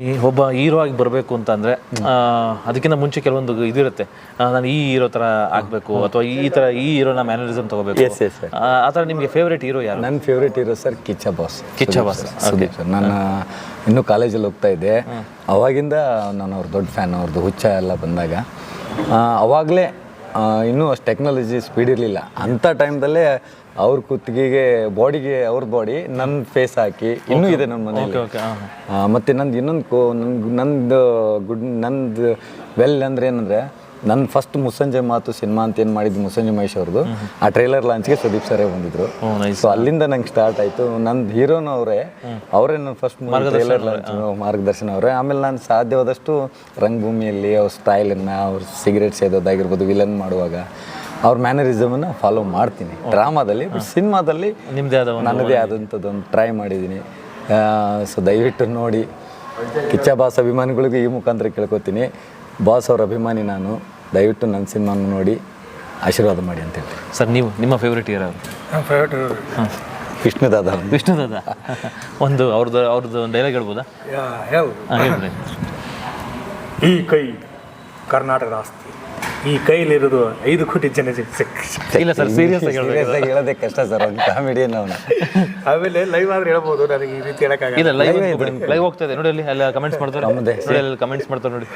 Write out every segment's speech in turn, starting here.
ಈ ಒಬ್ಬ ಹೀರೋ ಆಗಿ ಬರಬೇಕು ಅಂತಂದರೆ ಅದಕ್ಕಿಂತ ಮುಂಚೆ ಕೆಲವೊಂದು ಇದಿರುತ್ತೆ, ನಾನು ಈ ಹೀರೋ ಥರ ಆಗಬೇಕು ಅಥವಾ ಈ ಹೀರೋನ ಮ್ಯಾನರಿಸಮ್ ತೊಗೋಬೇಕು. ಆ ಥರ ನಿಮಗೆ ಫೇವ್ರೇಟ್ ಹೀರೋ ಯಾರು? ನನ್ನ favourite hero sir Kichcha boss. Sudeep sir. ನಾನು ಇನ್ನೂ ಕಾಲೇಜಲ್ಲಿ ಹೋಗ್ತಾ ಇದ್ದೆ, ಅವಾಗಿಂದ ನಾನು ಅವ್ರ ದೊಡ್ಡ ಫ್ಯಾನ್. ಅವ್ರದ್ದು ಹುಚ್ಚ ಎಲ್ಲ ಬಂದಾಗ ಅವಾಗಲೇ ಇನ್ನೂ ಅಷ್ಟು ಟೆಕ್ನಾಲಜಿ ಸ್ಪೀಡ್ ಇರಲಿಲ್ಲ. ಅಂಥ ಟೈಮ್ದಲ್ಲೇ ಅವ್ರ ಕುತ್ತಿಗೆಗೆ ಬಾಡಿಗೆ ಅವ್ರ ಬಾಡಿ ನನ್ನ ಫೇಸ್ ಹಾಕಿ ಇನ್ನೂ ಇದೆ ನಮ್ಮ ಮನೇಲಿ. ಮತ್ತು ನಂದು ಇನ್ನೊಂದು ನಂದು ವೆಲ್ ಅಂದರೆ ಏನಂದರೆ, ನನ್ನ ಫಸ್ಟ್ ಮುಸ್ಸಂಜೆ ಮಾತು ಸಿನಿಮಾ ಅಂತ ಏನು ಮಾಡಿದ್ದು ಮುಸ್ಸಂಜೆ ಮಹೇಶ್ ಅವ್ರದ್ದು, ಆ ಟ್ರೈಲರ್ ಲಾಂಚ್ಗೆ ಸುದೀಪ್ ಸರೇ ಬಂದಿದ್ರು. ಸೊ ಅಲ್ಲಿಂದ ನಂಗೆ ಸ್ಟಾರ್ಟ್ ಆಯಿತು. ನಂದು ಹೀರೋನು ಅವರೇ ನನ್ನ ಫಸ್ಟ್ ಟ್ರೈಲರ್ ಲಾಂಚ್ ಮಾರ್ಗದರ್ಶನ ಅವರೇ. ಆಮೇಲೆ ನಾನು ಸಾಧ್ಯವಾದಷ್ಟು ರಂಗಭೂಮಿಯಲ್ಲಿ ಅವ್ರ ಸ್ಟೈಲನ್ನು, ಅವ್ರ ಸಿಗರೇಟ್ ಸೇದೋದಾಗಿರ್ಬೋದು, ವಿಲನ್ ಮಾಡುವಾಗ ಅವ್ರ ಮ್ಯಾನರಿಸಮನ್ನು ಫಾಲೋ ಮಾಡ್ತೀನಿ ಡ್ರಾಮಾದಲ್ಲಿ. ಬಟ್ ಸಿನಿಮಾದಲ್ಲಿ ನನ್ನದೇ ಆದಂಥದ್ದೊಂದು ಟ್ರೈ ಮಾಡಿದ್ದೀನಿ. ಸೊ ದಯವಿಟ್ಟು ನೋಡಿ. ಕಿಚ್ಚ ಬಾಸ್ ಅಭಿಮಾನಿಗಳಿಗೂ ಈ ಮುಖಾಂತರ ಕೇಳ್ಕೊತೀನಿ, ಬಾಸ್ ಅವ್ರ ಅಭಿಮಾನಿ ನಾನು, ದಯವಿಟ್ಟು ನನ್ನ ಸಿನಿಮಾನ ನೋಡಿ ಆಶೀರ್ವಾದ ಮಾಡಿ ಅಂತ ಹೇಳಿ. ಸರ್, ನೀವು ನಿಮ್ಮ ಫೇವ್ರೇಟ್ ಹೀರೋ? ಫೇವ್ರೇಟ್ ವಿಷ್ಣುದಾದ. ಒಂದು ಅವ್ರದ್ದು ಡೈಲಾಗ್ ಹೇಳ್ಬೋದಾ? ಹೇಳ್ರಿ. ಈ ಕೈ ಕರ್ನಾಟಕದ ಆಸ್ತಿ, ಈ ಕೈಲಿರೋದು 5 ಕೋಟಿ ಜನ. ಇಲ್ಲ ಸರ್, ಸೀರಿಯಸ್ ಆಗಿ ಹೇಳೋದೇ ಕಷ್ಟ ಸರ್, ಒಂದು ಕಾಮಿಡಿಯನ್ ಅವನು. ಆಮೇಲೆ ಲೈವ್ ಆದ್ರೆ ಹೇಳ್ಬೋದು, ನನಗೆ ಈ ರೀತಿ ಹೇಳಕ್ಕಾಗಲ್ಲ. ಇಲ್ಲ, ಲೈವ್ ಹೋಗ್ತಾ ಇದೆ ನೋಡಿ, ಅಲ್ಲಿ ಕಮೆಂಟ್ಸ್ ಮಾಡ್ತಾರೆ ನೋಡಿ, ಕಮೆಂಟ್ಸ್ ಮಾಡ್ತಾರೆ ನೋಡಿ.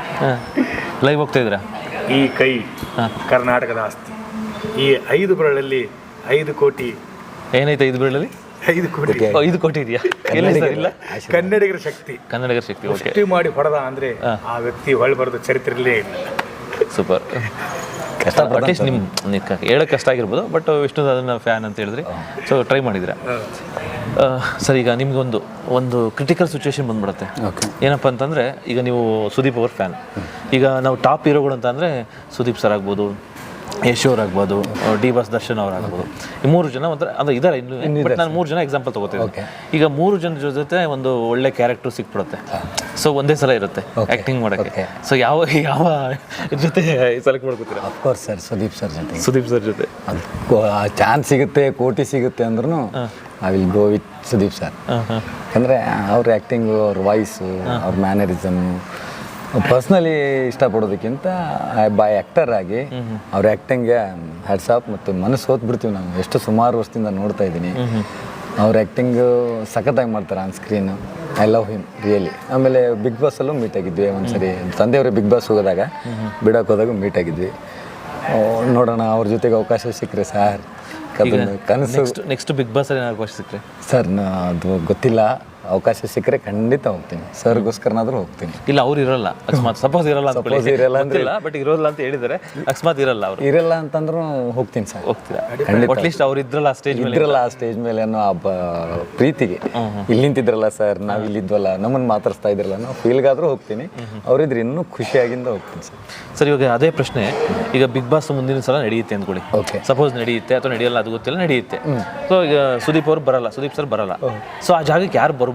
ಲೈವ್ ಹೋಗ್ತಾ ಇದ್ದೀರಾ? ಈ ಕೈ ಕರ್ನಾಟಕದ ಆಸ್ತಿ, ಈ 5 ಬೆರಳಲ್ಲಿ 5 ಕೋಟಿ. ಏನೈತೆ 5 ಬೆರಳಲ್ಲಿ? 5 ಕೋಟಿ. 5 ಕೋಟಿ ಇದೆಯಾ? ಇಲ್ಲ, ಕನ್ನಡಿಗರ ಶಕ್ತಿ. ಕನ್ನಡಿಗರ ಶಕ್ತಿ ಸೃಷ್ಟಿ ಮಾಡಿ ಹೊಡೆದ ಅಂದ್ರೆ ಆ ವ್ಯಕ್ತಿ ಹೊಳ್ಬಾರ್ದು ಚರಿತ್ರೆಯಲ್ಲೇ ಇಲ್ಲ. ಸೂಪರ್. ಅಟ್ಲೀಸ್ಟ್ ನಿಮ್ಮ ಹೇಳೋಕ್ಕೆ ಕಷ್ಟ ಆಗಿರ್ಬೋದು, ಬಟ್ ವಿಷ್ಣುದಾದನ ಫ್ಯಾನ್ ಅಂತ ಹೇಳಿದ್ರಿ, ಸೊ ಟ್ರೈ ಮಾಡಿದ್ರೆ. ಸರ್, ಈಗ ನಿಮ್ಗೊಂದು ಕ್ರಿಟಿಕಲ್ ಸಿಚುವೇಶನ್ ಬಂದ್ಬಿಡುತ್ತೆ. ಏನಪ್ಪ ಅಂತಂದರೆ, ಈಗ ನೀವು ಸುದೀಪ್ ಅವ್ರ ಫ್ಯಾನ್. ಈಗ ನಾವು ಟಾಪ್ ಹೀರೋಗಳು ಅಂತ ಅಂದರೆ ಸುದೀಪ್ ಸರ್ ಆಗ್ಬೋದು, ಯಶ್ ಅವ್ರು ಆಗ್ಬೋದು, ಡಿ ಬಾಸ್ ದರ್ಶನ್ ಅವ್ರು ಆಗ್ಬೋದು. ಈ 3 ಜನ ಒಂಥರ ಅಂದರೆ ಇದ್ದಾರೆ ಇನ್ನು, ಬಟ್ ನಾನು 3 ಜನ ಎಕ್ಸಾಂಪಲ್ ತೊಗೋತೀನಿ. ಈಗ 3 ಜನರ ಜೊತೆ ಒಂದು ಒಳ್ಳೆ ಕ್ಯಾರೆಕ್ಟರ್ ಸಿಕ್ಬಿಡುತ್ತೆ. ಸೊ ಒಂದೇ ಸಲ ಇರುತ್ತೆ ಆ್ಯಕ್ಟಿಂಗ್ ಮಾಡೋಕ್ಕೆ. ಸೊ ಯಾವ ಜೊತೆ ಸೆಲೆಕ್ಟ್ ಮಾಡ್ಕೊತೀರಾ? ಅಫ್ಕೋರ್ಸ್ ಸರ್, ಸುದೀಪ್ ಸರ್ ಜೊತೆ ಚಾನ್ಸ್ ಸಿಗುತ್ತೆ, ಕೋಟಿ ಸಿಗುತ್ತೆ ಅಂದ್ರೂ I will go with Sudeep sir. ಅಂದರೆ ಅವ್ರ ಆ್ಯಕ್ಟಿಂಗು, ಅವ್ರ ವಾಯ್ಸು, ಅವ್ರ ಮ್ಯಾನರಿಸಮ್ಮು ಪರ್ಸ್ನಲಿ ಇಷ್ಟಪಡೋದಕ್ಕಿಂತ ಬೈ ಆ್ಯಕ್ಟರ್ ಆಗಿ ಅವ್ರ ಆ್ಯಕ್ಟಿಂಗ್ಗೆ ಹ್ಯಾಟ್ಸ್ ಆಫ್. ಮತ್ತು ಮನಸ್ಸು ಹೋತ್ಬಿಡ್ತೀವಿ ನಾವು, ಎಷ್ಟು ಸುಮಾರು ವರ್ಷದಿಂದ ನೋಡ್ತಾ ಇದ್ದೀನಿ. ಅವ್ರ ಆ್ಯಕ್ಟಿಂಗು ಸಖತ್ತಾಗಿ ಮಾಡ್ತಾರೆ on screen. I love him really. ಆಮೇಲೆ ಬಿಗ್ ಬಾಸಲ್ಲೂ ಮೀಟ್ ಆಗಿದ್ವಿ ಒಂದ್ಸರಿ, ತಂದೆಯವರು ಬಿಗ್ ಬಾಸ್ ಹೋಗೋದಾಗ ಬಿಡೋಕೆ ಹೋದಾಗ ಮೀಟ್ ಆಗಿದ್ವಿ. ನೋಡೋಣ, ಅವ್ರ ಜೊತೆಗೆ ಅವಕಾಶ ಸಿಕ್ಕರೆ ಸಾರ್ ಕನಸು. ನೆಕ್ಸ್ಟ್ ಬಿಗ್ ಬಾಸ್ ಅಲ್ಲಿ ಅವಕಾಶ ಸಿಕ್ಕರೆ ಸರ್, ಅದು ಗೊತ್ತಿಲ್ಲ. ಅವಕಾಶ ಸಿಕ್ಕರೆ ಖಂಡಿತ ಹೋಗ್ತೀನಿ, ಸರ್ಗೋಸ್ಕರನಾದ್ರೂ ಹೋಗ್ತೀನಿ. ಇಲ್ಲ, ಅವ್ರು ಇರಲ್ಲ, ಅಕಸ್ಮಾತ್ ಸಪೋಸ್ ಇರಲ್ಲ ಅಂದ್ರೆ, ಬಟ್ ಇರೋಲ್ಲ ಅಂತ ಹೇಳಿದ್ದಾರೆ. ಅಕಸ್ಮಾತ್ ಇರಲ್ಲ ಅಂತಂದ್ರೂ ಹೋಗ್ತೀನಿ ಸರ್. ಹೋಗ್ತೀರಾ? ಅಟ್ಲೀಸ್ಟ್ ಅವ್ರು ಇದ್ರಲ್ಲ ಆ ಸ್ಟೇಜ್ ಮೇಲೆ ಅನ್ನೋ ಪ್ರೀತಿಗೆ. ಇಲ್ಲಿ ನಿಂತಿದ್ರಲ್ಲ ಸರ್, ನಾವು ಇಲ್ಲಿದ್ವಲ್ಲ, ನಮ್ಮನ್ನು ಮಾತಾಡ್ಸ್ತಾ ಇದ್ರಲ್ಲ, ನಾವು ಫೀಲ್ಗಾದ್ರೂ ಹೋಗ್ತೀನಿ. ಅವರಿದ್ರೆ ಇನ್ನೂ ಖುಷಿಯಾಗಿಂದ ಹೋಗ್ತೀನಿ ಸರ್. ಸರ್, ಇವಾಗ ಅದೇ ಪ್ರಶ್ನೆ, ಈಗ ಬಿಗ್ ಬಾಸ್ ಮುಂದಿನ ಸಲ ನಡೆಯುತ್ತೆ ಅಂದ್ಕೊಳ್ಳಿ. ಸಪೋಸ್ ನಡೆಯುತ್ತೆ ಅಥವಾ ನಡೆಯಲ್ಲ, ಅದು ಗೊತ್ತಿಲ್ಲ, ನಡೆಯುತ್ತೆ. ಸೊ ಈಗ ಸುದೀಪ್ ಸರ್ ಬರಲ್ಲ. ಸೊ ಆ ಜಾಗಕ್ಕೆ ಯಾರು ಬರ್ಬೋದು?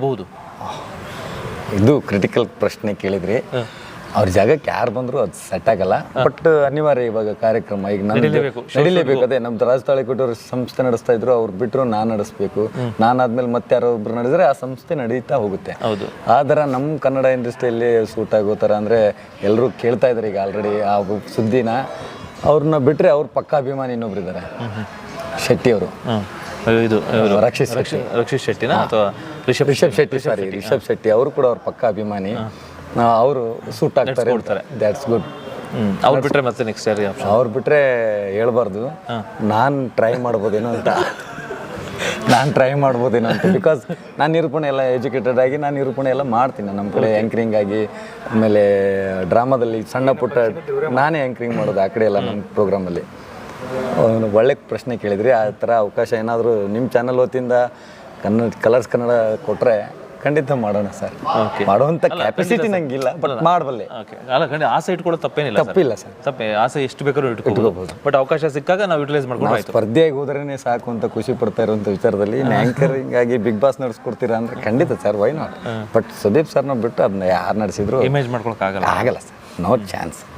ಇದು ಕ್ರಿಟಿಕಲ್ ಪ್ರಶ್ನೆ ಕೇಳಿದ್ರಿ. ಅವ್ರ ಜಾಗಕ್ಕೆ ಯಾರು ಬಂದರೂ ಅದು ಸೆಟ್ ಆಗಲ್ಲ. ಬಟ್ ಅನಿವಾರ್ಯ, ಇವಾಗ ಕಾರ್ಯಕ್ರಮ ಈಗ ನಡಿಲೇಬೇಕು. ಅದೇ ನಮ್ದು ರಾಜತಾಳಿಕೊಟ್ಟವ್ರು ಸಂಸ್ಥೆ ನಡೆಸ್ತಾ ಇದ್ರು, ಅವ್ರು ಬಿಟ್ಟರು ನಾನು ನಡೆಸ್ಬೇಕು. ನಾನಾದ್ಮೇಲೆ ಮತ್ತೆ ಯಾರೋ ಒಬ್ರು ನಡೆಸಿದ್ರೆ ಆ ಸಂಸ್ಥೆ ನಡೀತಾ ಹೋಗುತ್ತೆ. ಆದ್ರೆ ನಮ್ಮ ಕನ್ನಡ ಇಂಡಸ್ಟ್ರಿಯಲ್ಲಿ ಸೂಟ್ ಆಗೋ ಥರ ಅಂದರೆ ಎಲ್ಲರೂ ಕೇಳ್ತಾ ಇದ್ದಾರೆ ಈಗ ಆಲ್ರೆಡಿ ಆ ಸುದ್ದಿನ. ಅವ್ರನ್ನ ಬಿಟ್ಟರೆ ಅವ್ರ ಪಕ್ಕ ಅಭಿಮಾನಿ ಇನ್ನೊಬ್ರು ಇದ್ದಾರೆ, ಶೆಟ್ಟಿ ಅವರು. ಇದು ರಕ್ಷಿತ್ ಶೆಟ್ಟಿನ ಅಥವಾ ರಿಷಬ್ ಶೆಟ್ಟಿ ಅವರು ಕೂಡ ಅವ್ರ ಪಕ್ಕ ಅಭಿಮಾನಿ. ಅವರು ಸೂಟ್ ಆಗ್ತಾರೆ. That's good. ಅವ್ರು ಬಿಟ್ರೆ ಮತ್ತೆ ನೆಕ್ಸ್ಟ್ ಯಾರು? ಅವ್ರು ಬಿಟ್ರೆ ಹೇಳ್ಬಾರ್ದು, ನಾನು ಟ್ರೈ ಮಾಡ್ಬೋದೇನೋ ಅಂತ. ಬಿಕಾಸ್ ನಾನು ನಿರೂಪಣೆ ಎಲ್ಲ ಎಜುಕೇಟೆಡ್ ಆಗಿ ನಾನು ನಿರೂಪಣೆ ಎಲ್ಲ ಮಾಡ್ತೀನಿ. ನಮ್ಮ ಕಡೆ ಆ್ಯಂಕರಿಂಗ್ ಆಗಿ, ಆಮೇಲೆ ಡ್ರಾಮಾದಲ್ಲಿ ಸಣ್ಣ ಪುಟ್ಟ ನಾನೇ ಆ್ಯಂಕರಿಂಗ್ ಮಾಡೋದು ಆ ಕಡೆ ಎಲ್ಲ ನಮ್ಮ ಪ್ರೋಗ್ರಾಮಲ್ಲಿ. ಒಳ್ಳೆ ಪ್ರಶ್ನೆ ಕೇಳಿದ್ರಿ. ಆ ಥರ ಅವಕಾಶ ಏನಾದರೂ ನಿಮ್ಮ ಚಾನಲ್ ವತಿಯಿಂದ ಕಲರ್ಸ್ ಕನ್ನಡ ಕೊಟ್ಟರೆ ಖಂಡಿತ ಮಾಡೋಣ ಸರ್. ಮಾಡುವಂಥ ಕೆಪಾಸಿಟಿ ನಂಗಿಲ್ಲ, ಬಟ್ ಮಾಡಬಲ್ಲೆ. ಆಸೆ ಇಟ್ಕೊಳ್ಳೋ ತಪ್ಪಿಲ್ಲ ಸರ್. ಆಸೆ ಎಷ್ಟು ಬೇಕಾದ್ರೂ ಇಟ್ಕೋಬಹುದು, ಬಟ್ ಅವಕಾಶ ಸಿಕ್ಕಾಗ ನಾವು ಯುಟಿಲೈಸ್ ಮಾಡ್ಕೊಂಡು ಸ್ಪರ್ಧೆಯಾಗಿ ಹೋದ್ರೇ ಸಾಕು ಅಂತ ಖುಷಿ ಪಡ್ತಾ ಇರುವಂಥ ವಿಚಾರದಲ್ಲಿ ಆ್ಯಂಕರಿಂಗ್ ಆಗಿ ಬಿಗ್ ಬಾಸ್ ನಡೆಸ್ಕೊಡ್ತೀರಾ ಅಂದರೆ ಖಂಡಿತ sir, why not. But Sudeep ಸರ್ನ ಬಿಟ್ಟು ಅದನ್ನ ಯಾರು ನಡೆಸಿದ್ರು ಇಮೇಜ್ ಮಾಡ್ಕೊಳಕ್ಕೆ ಆಗಲ್ಲ ಸರ್, ನೋ ಚಾನ್ಸ್.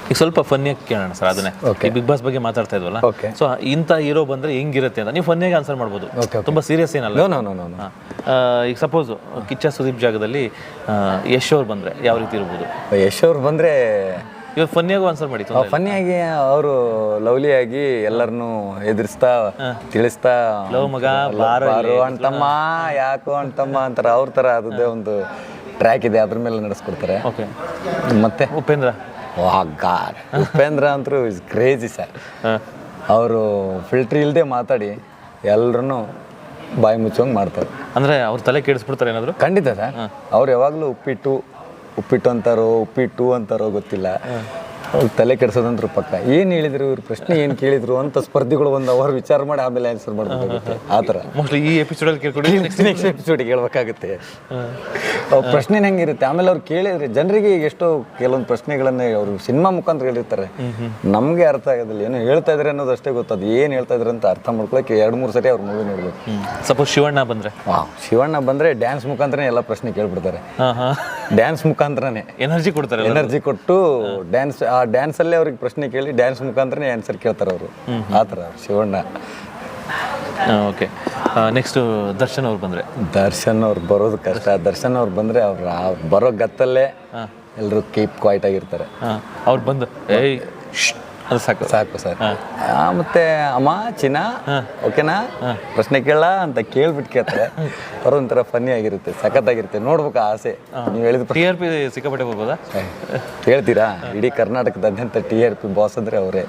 ಈಗ ಸ್ವಲ್ಪ ಫನ್ನಿಯಾಗಿ ಕೇಳೋಣ ಸರ್ ಅದನ್ನೇ. ಈ ಬಿಗ್ ಬಾಸ್ ಬಗ್ಗೆ ಮಾತಾಡ್ತಾ ಇದ್ವಲ್ಲ, Okay. ಸೊ ಇಂಥ ಹೀರೋ ಬಂದರೆ ಹೆಂಗಿರುತ್ತೆ ಅಂತ ನೀವು ಫನ್ನಿಯಾಗಿ ಆನ್ಸರ್ ಮಾಡ್ಬೋದು, ತುಂಬ ಸೀರಿಯಸ್ ಏನಲ್ಲ. ನೋ ಈಗ ಸಪೋಸ್ ಕಿಚ್ಚ ಸುದೀಪ್ ಜಾಗದಲ್ಲಿ ಯಶ್ ಅವ್ರು ಬಂದರೆ ಯಾವ ರೀತಿ ಇರ್ಬೋದು? ಯಶ್ ಅವ್ರು ಬಂದರೆ ಇವಾಗ ಫನ್ನಿಯಾಗೂ ಆನ್ಸರ್ ಮಾಡಿ. ಫನ್ನಿಯಾಗಿ ಅವರು ಲವ್ಲಿಯಾಗಿ ಎಲ್ಲರನ್ನೂ ಎದುರಿಸ್ತಾ ತಿಳಿಸ್ತಾ ಲವ್ ಮಗ ಬಾರು ಅಣ್ತಮ್ಮ ಯಾಕೋ ಅಣ್ತಮ್ಮ ಅಂತಾರೆ ಅವ್ರ ಥರ ಅದೇ ಒಂದು ಟ್ರ್ಯಾಕ್ ಇದೆ, ಅದ್ರ ಮೇಲೆ ನಡೆಸ್ಕೊಡ್ತಾರೆ. ಓಕೆ. ಮತ್ತೆ ಉಪೇಂದ್ರ ಗಾಡ್ ಉಪೇಂದ್ರ ಅಂತೂ ಇಸ್ ಕ್ರೇಜಿ ಸರ್. ಅವರು ಫಿಲ್ಟ್ರ್ ಇಲ್ಲದೆ ಮಾತಾಡಿ ಎಲ್ಲರನ್ನೂ ಬಾಯಿ ಮುಚ್ಚೋಂಗೆ ಮಾಡ್ತಾರೆ. ಅಂದರೆ ಅವ್ರ ತಲೆ ಕೆಡಿಸ್ಬಿಡ್ತಾರೆ ಏನಾದರೂ? ಖಂಡಿತ ಸರ್. ಅವ್ರು ಯಾವಾಗಲೂ ಉಪ್ಪಿಟ್ಟು ಅಂತಾರೋ ಉಪ್ಪಿಟ್ಟು ಅಂತಾರೋ ಗೊತ್ತಿಲ್ಲ, ಅವ್ರು ತಲೆ ಕೆಡಿಸೋದಂದ್ರು ಪಕ್ಕ. ಏನು ಹೇಳಿದ್ರು ಇವ್ರು, ಪ್ರಶ್ನೆ ಏನು ಕೇಳಿದ್ರು ಅಂತ ಸ್ಪರ್ಧಿಗಳು ಒಂದು ಅವರು ವಿಚಾರ ಮಾಡಿ ಆಮೇಲೆ ಆನ್ಸರ್ ಮಾಡ್ಬೇಕಾಗುತ್ತೆ. ಆ ಥರ ಮೋಸ್ಟ್ಲಿ ಈ ಎಪಿಸೋಡಲ್ಲಿ ಕೇಳ್ಕೊಂಡು ನೆಕ್ಸ್ಟ್ ಎಪಿಸೋಡಿಗೆ ಹೇಳ್ಬೇಕಾಗುತ್ತೆ. ಅವ್ರ ಪ್ರಶ್ನೆ ಹೆಂಗಿರುತ್ತೆ, ಆಮೇಲೆ ಅವ್ರು ಕೇಳಿದ್ರೆ ಜನರಿಗೆ ಎಷ್ಟೋ ಕೆಲವೊಂದು ಪ್ರಶ್ನೆಗಳನ್ನೇ ಅವರು ಸಿನಿಮಾ ಮುಖಾಂತರ ಹೇಳಿರ್ತಾರೆ, ನಮಗೆ ಅರ್ಥ ಆಗೋದಿಲ್ಲ. ಏನೋ ಹೇಳ್ತಾ ಇದ್ರೆ ಅನ್ನೋದು ಅಷ್ಟೇ ಗೊತ್ತದು, ಏನು ಹೇಳ್ತಾ ಇದ್ರೆ ಅಂತ ಅರ್ಥ ಮಾಡ್ಕೊಳಕ್ಕೆ 2-3 ಸರಿ ಅವ್ರ ಮೂವಿ ನೋಡ್ಬೇಕು. ಸಪೋಸ್ ಶಿವಣ್ಣ ಬಂದರೆ? ಶಿವಣ್ಣ ಬಂದರೆ ಡ್ಯಾನ್ಸ್ ಮುಖಾಂತರನೇ ಎಲ್ಲ ಪ್ರಶ್ನೆ ಕೇಳ್ಬಿಡ್ತಾರೆ. ಡ್ಯಾನ್ಸ್ ಮುಖಾಂತರನೇ ಎನರ್ಜಿ ಕೊಡ್ತಾರೆ, ಎನರ್ಜಿ ಕೊಟ್ಟು ಆ ಡ್ಯಾನ್ಸಲ್ಲೇ ಅವ್ರಿಗೆ ಪ್ರಶ್ನೆ ಕೇಳಿ ಡ್ಯಾನ್ಸ್ ಮುಖಾಂತರನೇ ಆನ್ಸರ್ ಕೇಳ್ತಾರೆ ಅವರು. ಆ ಥರ ಶಿವಣ್ಣ. ಓಕೆ. ನೆಕ್ಸ್ಟು ದರ್ಶನ್ ಅವ್ರು ಬಂದರೆ? ದರ್ಶನ್ ಅವ್ರು ಬರೋದು ಕಷ್ಟ. ದರ್ಶನ್ ಅವ್ರು ಬಂದರೆ ಅವ್ರು ಬರೋ ಗತ್ತಲ್ಲೇ ಎಲ್ಲರೂ ಕೀಪ್ ಕ್ವೈಟ್ ಆಗಿರ್ತಾರೆ. ಅವ್ರು ಬಂದು ಏಯ್ ಅದು ಸಾಕು ಸಾಕು ಸರ್. ಮತ್ತೆ ಅಮ್ಮ ಚಿನ್ನ ಓಕೆನಾ ಪ್ರಶ್ನೆ ಕೇಳ ಅಂತ ಕೇಳ್ಬಿಟ್ಟು ಕೇಳ್ತಾರೆ. ಅವ್ರು ಒಂಥರ ಫನ್ನಿ ಆಗಿರುತ್ತೆ, ಸಖತ್ತಾಗಿರುತ್ತೆ, ನೋಡ್ಬೇಕು ಆಸೆ. ನೀವು ಹೇಳಿದ TRP ಸಿಕ್ಕಾಪಟ್ಟೆ ಬರ್ಬೋದಾ? ಹೇಳ್ತೀರಾ? ಇಡೀ ಕರ್ನಾಟಕದಾದ್ಯಂತ TRP ಬಾಸ್ ಅಂದರೆ ಅವರೇ.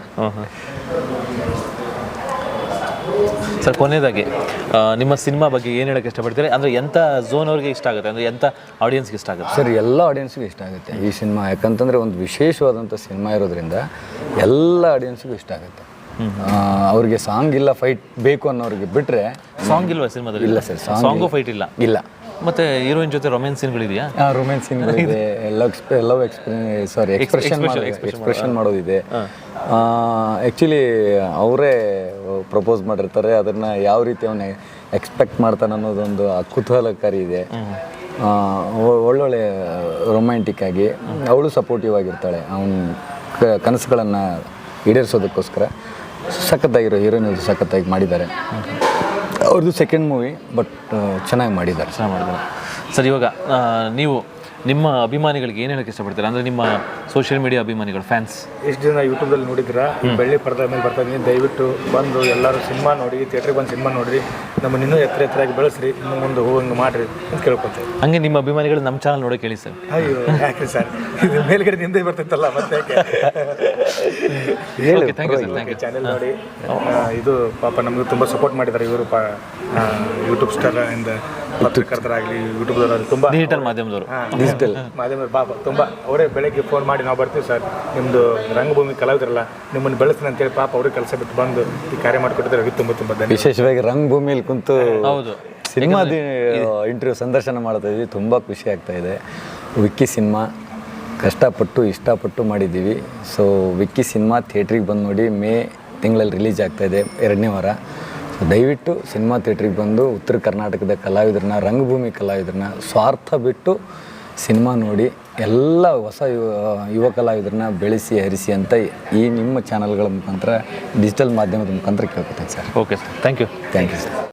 ಸರ್ ಕೊನೆಯದಾಗಿ ನಿಮ್ಮ ಸಿನಿಮಾ ಬಗ್ಗೆ ಏನು ಹೇಳೋಕ್ಕೆ ಇಷ್ಟಪಡ್ತೀರಿ? ಅಂದರೆ ಎಂಥ ಝೋನ್ ಅವ್ರಿಗೆ ಇಷ್ಟ ಆಗುತ್ತೆ, ಅಂದರೆ ಎಂಥ ಆಡಿಯನ್ಸ್ಗೆ ಇಷ್ಟ ಆಗುತ್ತೆ? ಸರ್ ಎಲ್ಲ ಆಡಿಯನ್ಸ್ಗೂ ಇಷ್ಟ ಆಗುತ್ತೆ ಈ ಸಿನಿಮಾ. ಯಾಕಂತಂದರೆ ಒಂದು ವಿಶೇಷವಾದಂಥ ಸಿನಿಮಾ ಇರೋದ್ರಿಂದ ಎಲ್ಲ ಆಡಿಯನ್ಸ್ಗೂ ಇಷ್ಟ ಆಗುತ್ತೆ. ಅವ್ರಿಗೆ ಸಾಂಗ್ ಇಲ್ಲ ಫೈಟ್ ಬೇಕು ಅನ್ನೋರಿಗೆ ಬಿಟ್ಟರೆ. ಸಾಂಗ್ ಇಲ್ವಾ ಸಿನಿಮಾದಲ್ಲಿ? ಇಲ್ಲ ಸರ್, ಸಾಂಗು ಫೈಟ್ ಇಲ್ಲ. ಇಲ್ಲ. ಮತ್ತೆ ಹೀರೋಯಿನ್ ಜೊತೆ ರೊಮ್ಯಾನ್ಸ್ ಸೀನ್ಗಳಿದೆಯಾ? ರೊಮ್ಯಾನ್ಸ್ ಸೀನ್ಗಳಿದೆ, ಲವ್ ಎಕ್ಸ್ಪ್ರೆಷನ್ ಮಾಡೋದಿದೆ. ಆ್ಯಕ್ಚುಲಿ ಅವರೇ ಪ್ರಪೋಸ್ ಮಾಡಿರ್ತಾರೆ, ಅದನ್ನು ಯಾವ ರೀತಿ ಅವನು ಎಕ್ಸ್ಪೆಕ್ಟ್ ಮಾಡ್ತಾನೆ ಅನ್ನೋದೊಂದು ಕುತೂಹಲಕಾರಿ ಇದೆ. ಒಳ್ಳೊಳ್ಳೆ ರೊಮ್ಯಾಂಟಿಕ್ ಆಗಿ ಅವಳು ಸಪೋರ್ಟಿವ್ ಆಗಿರ್ತಾಳೆ ಅವನ ಕನಸುಗಳನ್ನು ಈಡೇರಿಸೋದಕ್ಕೋಸ್ಕರ. ಸಖತ್ತಾಗಿರೋ ಹೀರೋಯಿನ್ ಸಖತ್ತಾಗಿ ಮಾಡಿದ್ದಾರೆ. ಅವ್ರದ್ದು ಸೆಕೆಂಡ್ ಮೂವಿ, ಬಟ್ ಚೆನ್ನಾಗಿ ಮಾಡಿದ್ದಾರೆ. ಸರ್ ಇವಾಗ ನೀವು ನಿಮ್ಮ ಅಭಿಮಾನಿಗಳಿಗೆ ಏನು ಹೇಳಕ್ಕೆ ಇಷ್ಟಪಡ್ತೀರಾ? ಅಂದರೆ ನಿಮ್ಮ ಸೋಷಿಯಲ್ ಮೀಡಿಯಾ ಅಭಿಮಾನಿಗಳು, ಫ್ಯಾನ್ಸ್ ಎಷ್ಟು ಜನ ಯೂಟ್ಯೂಬಲ್ಲಿ ನೋಡಿದ್ದೀರಾ, ಬೆಳ್ಳಿ ಪರ್ದ ಮೇಲೆ ಬರ್ತಾ ಇದ್ದೀನಿ, ದಯವಿಟ್ಟು ಬಂದು ಎಲ್ಲರೂ ಸಿನಿಮಾ ನೋಡಿ, ಥಿಯೇಟ್ರಿಗೆ ಬಂದು ಸಿನಿಮಾ ನೋಡಿರಿ, ನಮ್ಮನ್ನು ಇನ್ನೂ ಎತ್ತರವಾಗಿ ಬೆಳೆಸ್ರಿ, ಇನ್ನು ಮುಂದೆ ಹೋಗಂಗೆ ಮಾಡಿರಿ ಅಂತ ಕೇಳ್ಕೊತೇವೆ. ಹಂಗೆ ನಿಮ್ಮ ಅಭಿಮಾನಿಗಳು ನಮ್ಮ ಚಾನಲ್ ನೋಡೋಕೆ ಹೇಳಿ ಸರ್. ಅಯ್ಯೋ ಯಾಕೆ ಸರ್, ಇದು ಮೇಲ್ಗಡೆ ನಿಂದೆ ಬರ್ತಿತ್ತಲ್ಲ ಮತ್ತೆ ಚಾನೆಲ್ ನೋಡಿ. ಇದು ಪಾಪ ನಮಗೂ ತುಂಬ ಸಪೋರ್ಟ್ ಮಾಡಿದ್ದಾರೆ ಇವರು, ಯೂಟ್ಯೂಬ್ ಸ್ಟಾರ್ ಇಂದ ಪತ್ರಕರ್ತರಾಗಲಿ, ಯೂಟ್ಯೂಬ್ದವರಾಗಲಿ, ತುಂಬ ಡಿಜಿಟಲ್ ಮಾಧ್ಯಮದವರು ಮಾಧ್ಯಮದವರು ಪಾಪ ತುಂಬ ಅವರೇ ಬೆಳಗ್ಗೆ ಫೋನ್ ಮಾಡಿ ನಾವು ಬರ್ತೀವಿ ಸರ್, ನಿಮ್ಮದು ರಂಗಭೂಮಿ ಕಲಾವಿದರಲ್ಲ, ನಿಮ್ಮನ್ನು ಬೆಳೆಸ್ತೀನಿ ಅಂತೇಳಿ ಪಾಪ ಅವರೇ ಕೆಲಸ ಬಿಟ್ಟು ಬಂದು ಈ ಕಾರ್ಯ ಮಾಡಿಕೊಟ್ಟಿದ್ದಾರೆ. ಅವ್ರಿಗೆ ತುಂಬ ತುಂಬ ಧನ್ಯವಾದ. ವಿಶೇಷವಾಗಿ ರಂಗಭೂಮಿಯಲ್ಲಿ ಕುಂತು ಸಿನಿಮಾದ ಇಂಟರ್ವ್ಯೂ ಸಂದರ್ಶನ ಮಾಡ್ತಾ ಇದ್ವಿ, ತುಂಬ ಖುಷಿ ಆಗ್ತಾ ಇದೆ. ವಿಕ್ಕಿ ಸಿನಿಮಾ ಕಷ್ಟಪಟ್ಟು ಇಷ್ಟಪಟ್ಟು ಮಾಡಿದ್ದೀವಿ. ಸೊ ವಿಕ್ಕಿ ಸಿನಿಮಾ ಥಿಯೇಟ್ರಿಗೆ ಬಂದು ನೋಡಿ, ಮೇ ತಿಂಗಳಲ್ಲಿ ರಿಲೀಸ್ ಆಗ್ತಾಯಿದೆ 2ನೇ ವಾರ. ಸೊ ದಯವಿಟ್ಟು ಸಿನಿಮಾ ಥಿಯೇಟ್ರಿಗೆ ಬಂದು ಉತ್ತರ ಕರ್ನಾಟಕದ ಕಲಾವಿದರನ್ನ, ರಂಗಭೂಮಿ ಕಲಾವಿದರನ್ನ ಸ್ವಾರ್ಥ ಬಿಟ್ಟು ಸಿನಿಮಾ ನೋಡಿ, ಎಲ್ಲ ಹೊಸ ಯುವ ಕಲಾವಿದರನ್ನ ಬೆಳೆಸಿ ಹರಿಸಿ ಅಂತ ಈ ನಿಮ್ಮ ಚಾನಲ್ಗಳ ಮುಖಾಂತರ, ಡಿಜಿಟಲ್ ಮಾಧ್ಯಮದ ಮುಖಾಂತರ ಕೇಳ್ಕೊತೀನಿ sir. Okay sir, thank you sir.